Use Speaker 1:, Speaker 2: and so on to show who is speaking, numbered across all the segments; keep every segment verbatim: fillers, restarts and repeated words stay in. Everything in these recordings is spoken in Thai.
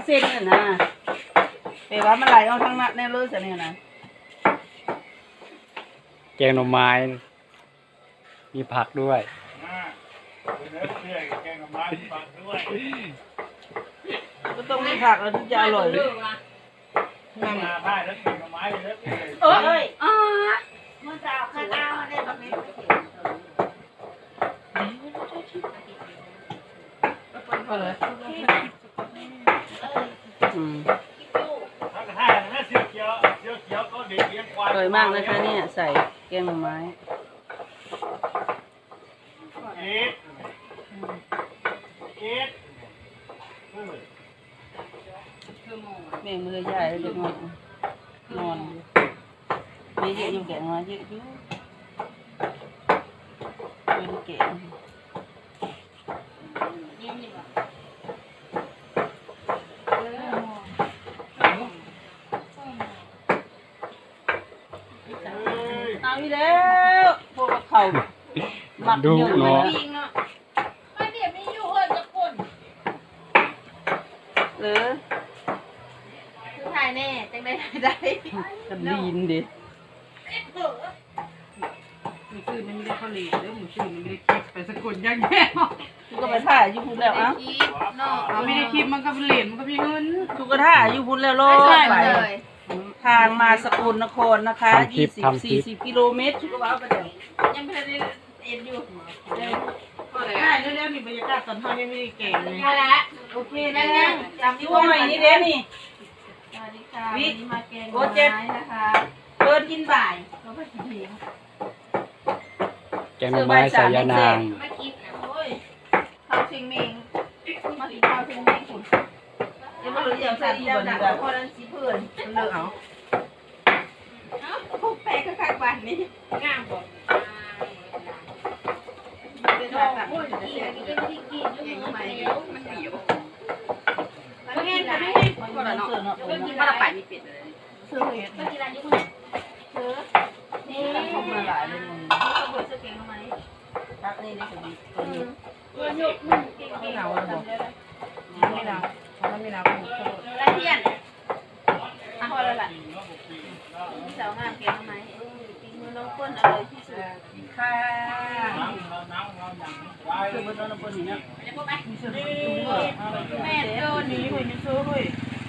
Speaker 1: เส้นน่ะนะแต่ว่ามันไหลเอาทั้งนั้นแน่เลยซะเนี่ยนะ
Speaker 2: แกงหน่อไม้มีผักด้วย
Speaker 1: ก็ต้องมีผักแล้วถึงจะอร่อยนั่นน่ะเอ้ยอ๋อมันจะเอาข้าวเอาเนี่ยตรงนี้พอเลยอืมอร่อยมากนะคะเนี่ยใส่แกงหน่อไม้แม่มือใหญ่แล้วจะนอนนอนไม่เยอะอยู่แกงมาเยอะอยู่ไม่ได้แกงเอาอีแล้วพวกเขาหมักเยอะเนาะไม่เดี๋ยวไม่อยู่เฮ้ยจะคนหรือคือถ่ายแน่จังได้ได้กันดีนดิหมูซื่อมันไม่ได้ข้าวเหนียวหมูซื่อมันไม่ได้คลิปไปสกุลย่างแย่ทุกก็ไปถ่ายอยู่พุ่นแล้วอ่ะไม่ได้คลิปมันก็เป็นเหรียญมันก็มีเงินทุกก็ถ่ายอยู่พุ่นแล้วโลดไปทางมาสกลนครนะคะยี่สิบสี่สิบกิโลเมตรทุกก็ว่าไปเลยยังไม่ได้เอ็นอยู่ได้เร็วๆนี่บรรยากาศตอนเช้ายังไม่ได้เก่งเลยโอเคได้แล้วจำที่ว่าใหม่นี่เด้นี่สวัสดีค่ะวันนี้มาแกงหน่อไม้นะคะเปิดกินบ่ายเขาไปกินเอง
Speaker 2: แกงหน่อไม้ใส่ยานาง
Speaker 1: มากินโอ้ยข้าวเชียงเมงมากินข้าวเชียงเมงคุณเดี๋ยวมาหรืออย่างใส่เจ้าหนักคนนั้นสีเพื่อนเลิกเอาเอ้าพวกแปะข้างๆบ้านนี่งามบ่เป็นแบบโอ้ยกินกินกินกินยุ่งมันเดียวมันเดียวมันเห็นแต่ไม่เห็นมันก็ละเนาะมันกินมาละไปมีเป็ดเลยเสื้อเห็ดมันกินอะไรยุ่งเสื้อนี่เขามาหลายเลยมึงเขาเปิดเสื้อเก่งทำไมรักนี่ได้สุดตัวนี้ตัวหยกมันเก่งเก่งเราจำได้แล้วไม่เราเขาไม่เราละเทียนอ่ะพอแล้วล่ะมีสาวงามเก่งทำไมเออปีมือน้องเปิ้ลอร่อยที่สุดค่ะคือมันน้องเปิ้ลนี่นะแม่โดนนี่คุยไม่ซื้อคุย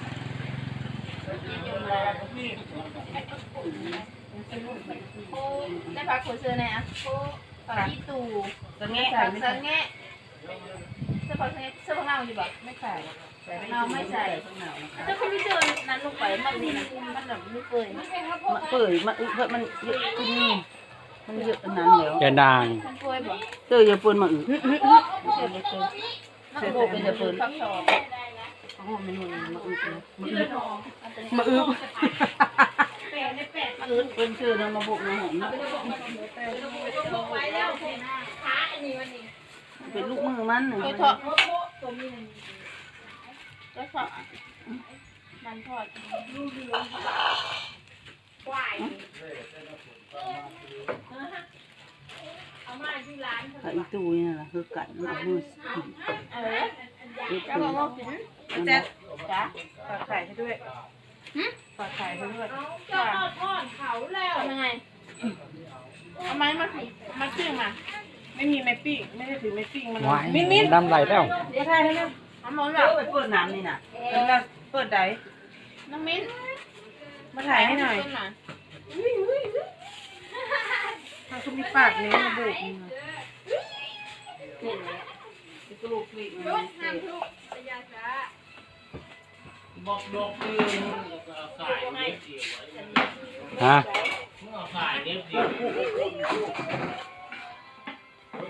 Speaker 1: ได้พักคุยซื้อไหนอ่ะผักที่ตู่สังเกตสังเกตเสื้อผักเสื้อผักเน่าอยู่แบบไม่ใส่เน่าไม่ใส่ถ้าเขาไม่เจอนั้นลงไปมันนี่มันแบบไม่เปื่อยมันเปื่อยมันเพราะมันเยอะขึ้นนี่มันเยอะขนาดแล้ว
Speaker 2: ยานาง
Speaker 1: มันเปื่อยบ่เจออย่าเปื่อยมาอึเจออย่าเปื่อยนักโบเป็นอย่าเปื่อยอ๋อมันมันมาอึมาอึมาอึมาอึเป็นชื่อนะมาบุกมาหอมเป็นลูกมือมันหนึ่งก็ทอดก็ทอดมันทอดควายเอามาที่ร้านไอ้ตู้นี่นะคือกัดมันมือเออจะมาบอกกินแจ๊จ้ะฝากไข่ให้ด้วยฝากไข่ให้ด้วยจะทอดทอดเขาแล้วทำยังไงเอาไม้มามาปิ้งมาไม่มีไม้ปิ้งไม่ได้ถือไม้ปิ้งมันมิ้นมิ้น
Speaker 2: น้ำไหลแล้ว
Speaker 1: ไม่ใช่แล้วนะน้ำมันแบบเปิดน้ำนี่น่ะแล้วเปิดได้น้ำมิ้นมาถ่ายให้หน่อยทางคุณมีปากเนี้ยมาบุกนี่ลูกนี่บอกดอกคือสายเล็บเดียว
Speaker 2: ฮะ
Speaker 1: สายเล็บเดียว